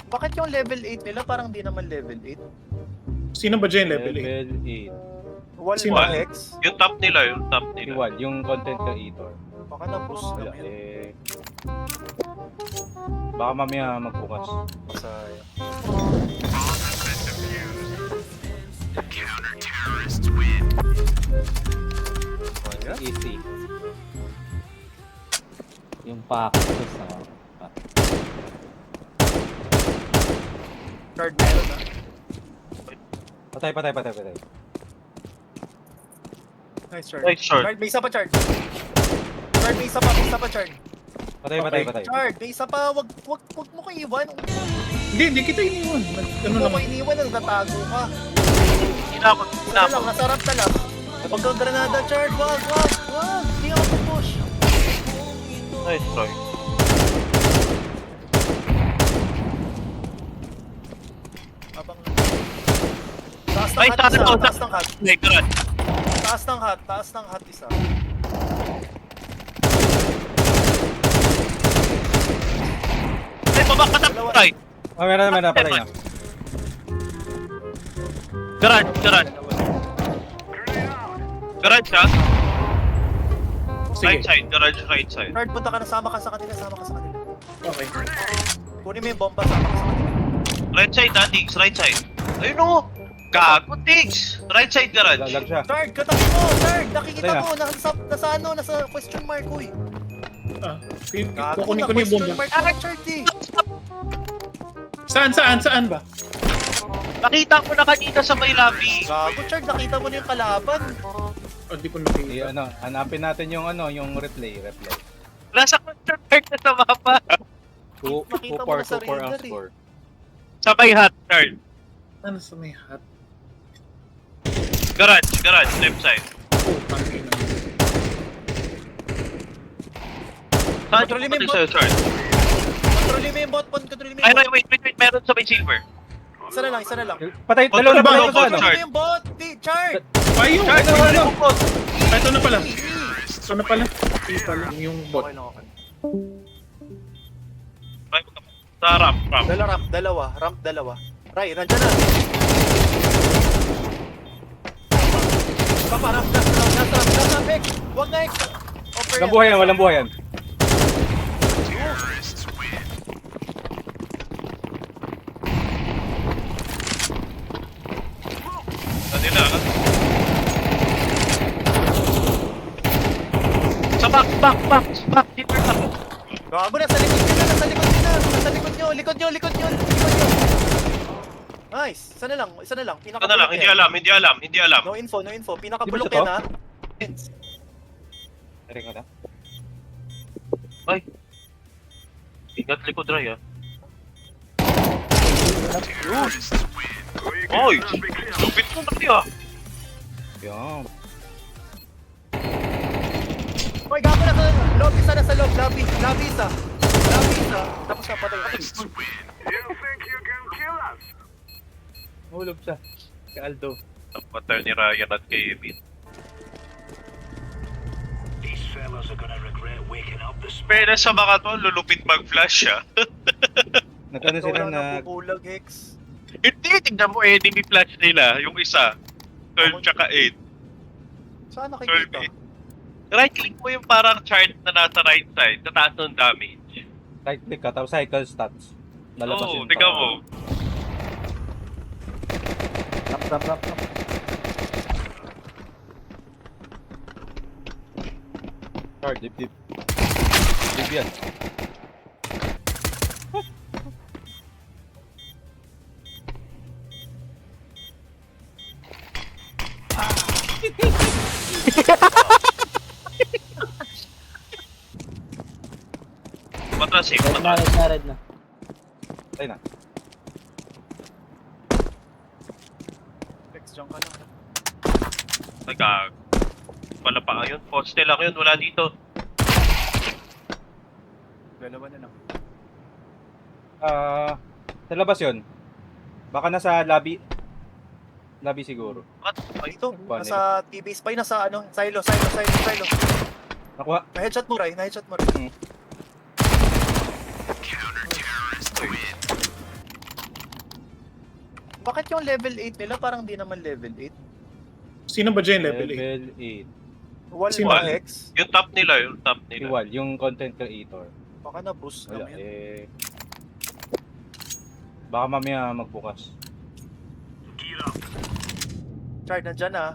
Bakit yung level 8 nila parang di naman level 8? Sino ba dyan level 8? Level 8. Wall Sino? ba Hex? Yung top nila, yung top Si nila. Wal, yung content creator. Baka na-boost Wala lang yun. eh. Baka mamaya magbukas. Sayang. Easy. Yung package na. Card meron na. Patay. Nice Chard. Nice short. Chard, may isa pa Chard. Chard, may isa pa Chard. Patay. Chard, may isa pa. Wag mo ko iwan. Hindi kita iniwan. Ano Kung mo ko naman? iniwan, nagtatago ka. Hinakot, Isa na lang, nasarap na lang. Huwag kang granada, Chard. Wag. Hindi ako push. Nice try. Abang taas ng Ay, hat taas isa, to, taas ng hat. My God. Taas ng hat isa. Ay, baba ka na, Dalawa. try. Oh, meron na, patay na. Garage. Garage ha? Right Sige. side, garage right side. Chard, punta ka na, sama ka sa kanila. Okay. Kunin mo yung bomba, sama ka sa kanila. Right side ha, Diggs, right side. Ayun o! Gago, Diggs! Right side garage. Lalag siya. Chard, katabi mo! Chard, nakikita Patay na. mo! Nasa ano? Nasa question mark, uy! Kukunin ko na yung question bomba. mark na Chard eh! Saan ba? Nakita ko na kanina sa may lobby. Gago, Chard, nakita mo na yung kalaban. Di ko I, nakita. hanapin natin yung replay. Nasa control mark na sa mapa. Nakita mo na sa 2-4 ang radar eh. score. Sa may hot turn. Ano sa may hat? Garage, left side. Oh, pangin na. Saan Control yung mo yung pumatay sa'yo, Chard? Kontrolin mo yung bot, kontrolin mo Ay, yung no, bot. wait, meron sa may silver. Isa na lang. Patay, Oh, dalawa na bot, patay bot, sa ano. Chard. Kontrolin mo yung bot! Di, Chard! Ayun! Chard, ano? Ito na pala. Ito pala. Yung bot. Okay lang ako. Ay, sa ramp. Ramp dalawa. Ray, nandyan na. Papa, ramp nasa Hex. Huwag na Hex. Walang buhay yan. Kanila, ha? Sa back. Silver na. Gago, nasa likod nyo. Likod nyo. Nice. Isa na lang. Ano na lang, Pinakabulok hindi alam. No info. Pinakabulok Di ba yan, ito? ha? Tari ko na. Ay. Ingat likod, Ray, ha? Oy! Lupit mo na kaya. Yan. Hoy, gago na sa lobby. Isa nasa lobby. Lobby isa. Tapos na patay. Hulog siya. Si Aldo. Ang pattern ni Ryan at kay Emil. Pero sa mga to, lulupit mag-flash siya. Nagkano sila Wala na... napupulag, Hex. Hindi, tignan mo enemy flash nila. Yung isa. 12 tsaka 8. Saan 12 nakikita? 8. Right click mo yung parang chart na nasa right side. Tataas ng damage. Right click ka, tapos cycle stats. Lalabas Oo, yun. tignan mo. Rap. Chard, dip. Dip yan. Matras eh. Red na. Patay na. Hex, dyan ka lang. Nagkag. Wala pa yun. Poste lang yun. Wala dito. Dalawa na lang. Sa labas yun. Baka nasa lobby. Lobby siguro. What? Ay, Ito, Paano nasa TV spy, nasa ano, silo. Nakuha. Na-headshot mo, Ray. Bakit yung level 8 nila parang di naman level 8? Sino ba dyan level 8? Level 8. Wall Sino? ba X? Yung top nila, yung top Si nila. Wal, yung content creator. Baka na-boost Wala naman yun. eh. Baka mamaya magbukas. Chard, nandyan ah.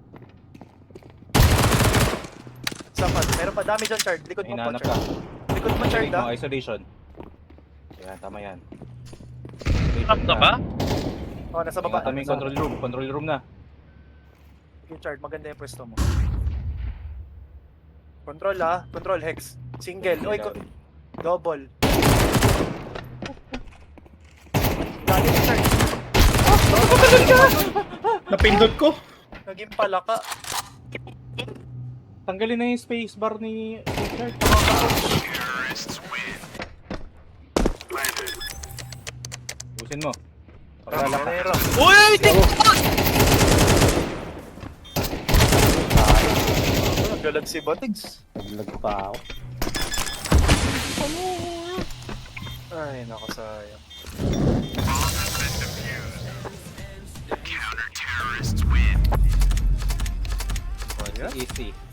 Sapat, meron pa dami dyan, Chard. Likod mo po, Hinahanap ka. Chard. Likod mo, Chard Isolate mo, ah. isolation. Yan, tama yan. Top na ba? Oh, nasa baba. Ingatan mo yung control room. Control room na. Okay, Chard, maganda yung pwesto mo. Control ah. Control, Hex. Single. Oy, double. Dali na, Chard. Napindot ko. Naging palaka. Tanggalin na yung space bar ni Richard. Busin mo. Para lalaka. Ramera. Uy! Galag si Batigs. Naglag pa ako. Ay, nakasayang. Easy.